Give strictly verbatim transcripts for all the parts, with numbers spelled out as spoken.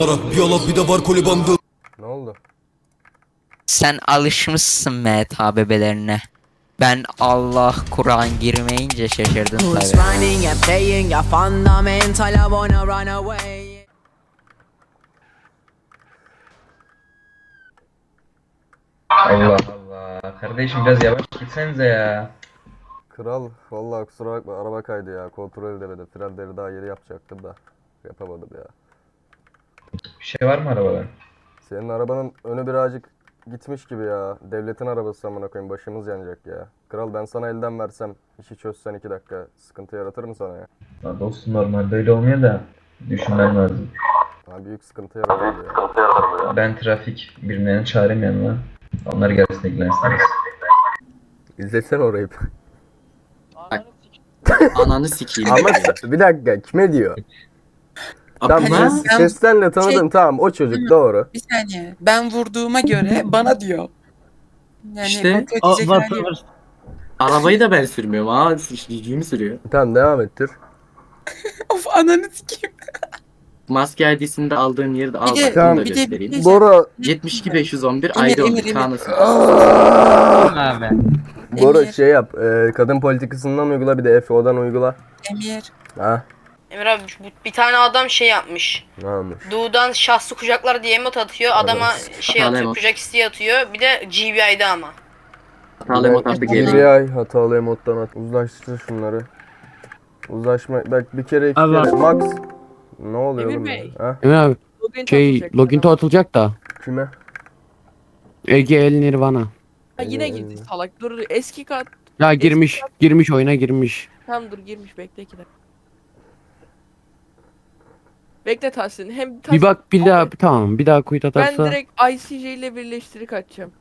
Bir ala bir de var koli bandı. Ne oldu? Sen alışmışsın M T bebelerine. Ben Allah Kur'an girmeyince şaşırdım Who's tabi. running and playing your fundamental? I wanna run away. Allah Allah. Kardeşim biraz yavaş gitsenize ya. Kral vallahi kusura bakma araba kaydı ya. Kontrol edemedi. Frenleri daha yeni yapacaktım da. Yapamadım ya. Bir şey var mı arabada? Senin arabanın önü birazcık gitmiş gibi ya. Devletin arabası amına koyayım, başımız yanacak ya. Kral ben sana elden versem, işi çözsen iki dakika sıkıntı yaratır mı sana ya? Ya dostum normal böyle olmuyor da düşünmem lazım. Ha, büyük sıkıntı yaratır ya. Ben trafik birimlerini çağırayım yanıma. Onlar gelsin ilgilensiniz. İzletsene orayı. Ananı sikeyim. Ama bir dakika, kime diyor? Tamam, Ama ses, sesten de tanıdım, Şey- tamam o çocuk doğru. Bir saniye. Ben vurduğuma göre bana diyor. Yani İşte, kontrol edecek o- hali yok. arabayı da ben sürmüyorum. Aa ciciğimi sürüyor. Tamam devam ettir. Of ananı sikeyim. Maske I D'sinde aldığın yeri de al. Bir de- bak, Tamam. bunu da bir de- göstereyim. bir de- Bora, yetmiş iki beş yüz on bir Emir, I D on Emir, bir Emir. kanası. Abi. Bora Emir. şey yap, e, kadın politikasından uygula, bir de F O'dan uygula. Emir. Ha, Emir abi bu- bir tane adam şey yapmış. ne olmuş? Doğudan şahsı kucaklar diye emot atıyor. Adama şey Hatalı atıyor, emot. kucak isteği atıyor. Bir de G B I'de ama. Hatalı emot artık G geliyor. B I hatalı emottan at. Uzlaştır şunları. Uzlaşma, bak bir kere iki Allah. kere max. Ne oluyor Emir oğlum? Bey. Ha? Emre abi Login şey atılacak. login to atılacak da Kime? Ege El Nirvana. Ha, yine Ee, girdi salak. Dur eski kat. Ya girmiş girmiş oyuna girmiş. Tamam dur girmiş bekle iki dakika. Bekle Tahsin. Hem Tahsin, Bir bak bir daha tamam bir daha kuyut ben atarsa direkt I C J ile birleştirip açacağım.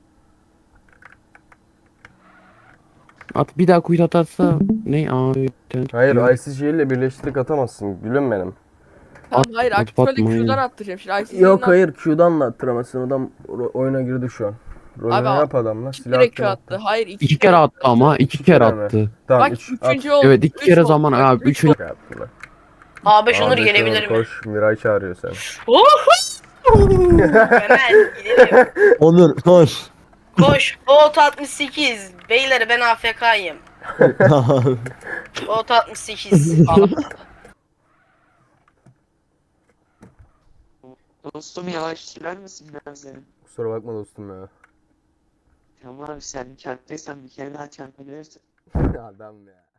at bir daha kuyut atarsa ne abi? Hayır, I C G ile birleştirip atamazsın gülüm benim. Tamam At- hayır at- aktif şöyle atmayın. Q'dan attıracağım. Şimdi I C J'den Yok hayır, Q'dan da attıramazsın, adam ro- oyuna girdi şu an. Rolünü Abi, yap adamla, iki silah kere Q hakkını attı. Hayır iki, İki kere attı ama iki İki kere kere mi? attı. Tamam, Bak üç, at. üçüncü oldu. Evet iki Üç kere oldu. zaman Bak, abi üç üçün. oldu. Şey yaptı lan. A beş Onur Abi, gelebilir şöyle mi? Koş, Miray çağırıyor seni. Hemen gidelim. Onur koş. Koş. Volt altmış sekiz. Beyler ben A F K'yım. Volt altmış sekiz. Dostum yavaş sürer misin biraz ya? Kusura bakma dostum ya. Tamam abi sen çarptıysan bir kere daha çarpabilirsin. Adam ya.